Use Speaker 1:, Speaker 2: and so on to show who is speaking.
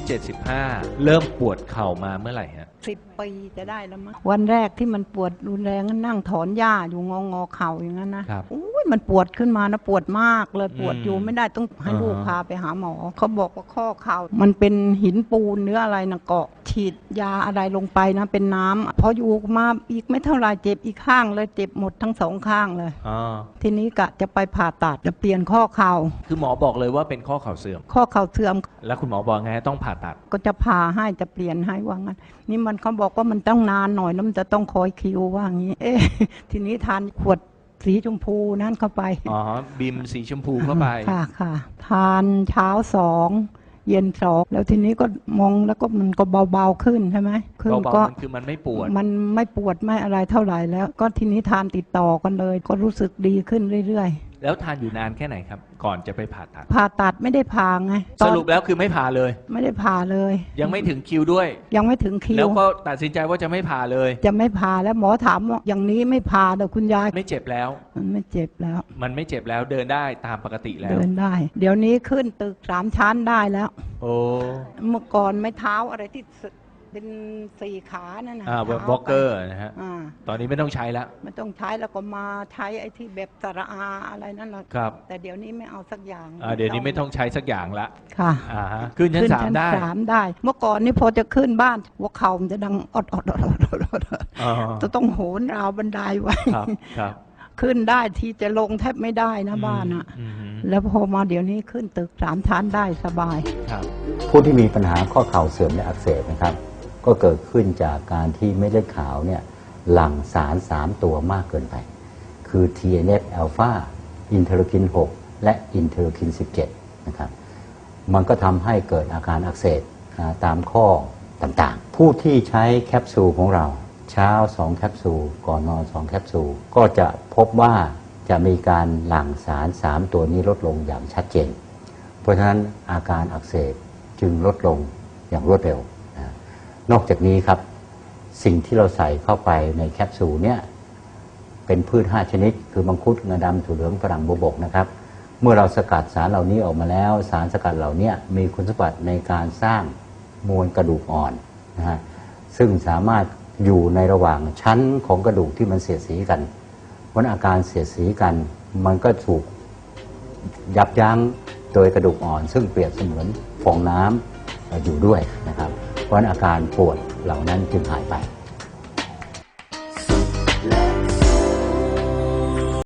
Speaker 1: 75เริ่มปวดเข่ามาเมื่อไหร่ฮะ
Speaker 2: 10 ปีจะได้แล้วมั้งวันแรกที่มันปวดรุนแรงนั่งถอนหญ้าอยู่งอเข่าอย่างนั้นนะอุ้ยมันปวดขึ้นมานะปวดมากเลยปวดอยู่ไม่ได้ต้องให้ลูกพาไปหาหมอเขาบอกว่าข้อเข่ามันเป็นหินปูนเนื้ออะไรนะเกาะฉีดยาอะไรลงไปนะเป็นน้ำพออยู่มาอีกไม่เท่าไรเจ็บอีกข้างเลยเจ็บหมดทั้ง2 ข้างเลยทีนี้กะจะไปผ่าตัดจะเปลี่ยนข้อเข่า
Speaker 1: คือหมอบอกเลยว่าเป็นข้อเข่าเสื่อม
Speaker 2: ข้อเข่าเสื่อม
Speaker 1: แล้วคุณหมอบอกไงต้องผ่าตัด
Speaker 2: ก็จะผ่าให้จะเปลี่ยนให้ว่างั้นนี่มันเขาบอกว่ามันต้องนานหน่อยแล้วมันจะต้องคอยคิวว่างี้ทีนี้ทานขวดสีชมพูนั่นเข้าไป
Speaker 1: บิมสีชมพูเข้าไป
Speaker 2: ค่ะทานเช้า2เย็น2แล้วทีนี้ก็มองแล้วก็มันก็เบาๆขึ้นใช่ไหม
Speaker 1: เบาๆคือมันไม่ปวด
Speaker 2: ไม่อะไรเท่าไหร่แล้วก็ทีนี้ทานติดต่อกันเลยก็รู้สึกดีขึ้นเรื่อย
Speaker 1: ๆแล้วทานอยู่นานแค่ไหนครับก่อนจะไปผ่า
Speaker 2: ตัดไม่ได้ผ่าไง
Speaker 1: สรุปแล้วคือไม่ผ่าเลย
Speaker 2: ไม่ได้ผ่าเลย
Speaker 1: ยังไม่ถึงคิวด้วย
Speaker 2: ยังไม่ถึงคิว
Speaker 1: แล้วก็ตัดสินใจว่าจะไม่ผ่าเลย
Speaker 2: จะไม่ผ่าแล้วหมอถามว่าอย่างนี้ไม่ผ่าแต่คุณยาย
Speaker 1: ไม่เจ็บแล้ว
Speaker 2: มันไม่เจ็บแล้ว
Speaker 1: เดินได้ตามปกติแล้ว
Speaker 2: เดินได้เดี๋ยวนี้ขึ้นตึก3 ชั้นได้แล้ว
Speaker 1: โอ้
Speaker 2: เมื่อก่อนไม่เท้าอะไรที่เป็น4 ขานั่นนะ
Speaker 1: วอล์กเกอร์นะฮะตอนนี้ไม่ต้องใช้แล้ว
Speaker 2: ไม่ต้องใช้แล้วก็มาใช้ไอ้ที่แบบสระอาอะไรนั่นแหละ
Speaker 1: ครับ
Speaker 2: แต่เดี๋ยวนี้ไม่เอาสักอย่าง
Speaker 1: เดี๋ยวนี้ไม่ต้องใช้สักอย่างละ
Speaker 2: ค่ะ
Speaker 1: ขึ้นชั้น3
Speaker 2: ได้เมื่อก่อนนี่พอจะขึ้นบ้านหัวเข่ามันจะดังอดจะต้องโหนราวบันไดไว้ขึ้นได้ที่จะลงแทบไม่ได้นะบ้านอะแล้วพอมาเดี๋ยวนี้ขึ้นตึก3 ชั้นได้สบาย
Speaker 3: ผู้ที่มีปัญหาข้อเข่าเสื่อมและอักเสบนะครับก็เกิดขึ้นจากการที่เม็ดเลือดขาวเนี่ยหลั่งสาร3 ตัวมากเกินไปคือ TNF อ l ลฟาอินเทอร์คิน 6 และอินเทอร์คิน 17นะครับมันก็ทำให้เกิดอาการอักเสบตามข้อต่างๆผู้ที่ใช้แคปซูลของเราเช้า2 แคปซูลก่อนนอน2 แคปซูลก็จะพบว่าจะมีการหลั่งสาร3 ตัวนี้ลดลงอย่างชัดเจนเพราะฉะนั้นอาการอักเสบจึงลดลงอย่างรวดเร็วนอกจากนี้ครับสิ่งที่เราใส่เข้าไปในแคปซูลเนี่ยเป็นพืช5 ชนิดคือมังคุดงาดำถั่วเหลืองฝรั่งบวบกนะครับเมื่อเราสกัดสารเหล่านี้ออกมาแล้วสารสกัดเหล่านี้มีคุณสมบัติในการสร้างมวลกระดูกอ่อนนะฮะซึ่งสามารถอยู่ในระหว่างชั้นของกระดูกที่มันเสียดสีกันเพราะอาการเสียดสีกันมันก็ถูกยับยั้งโดยกระดูกอ่อนซึ่งเปรียบเสมือนฟองน้ำอยู่ด้วยนะครับเพราะอาการปวดเหล่านั้นจึงหายไป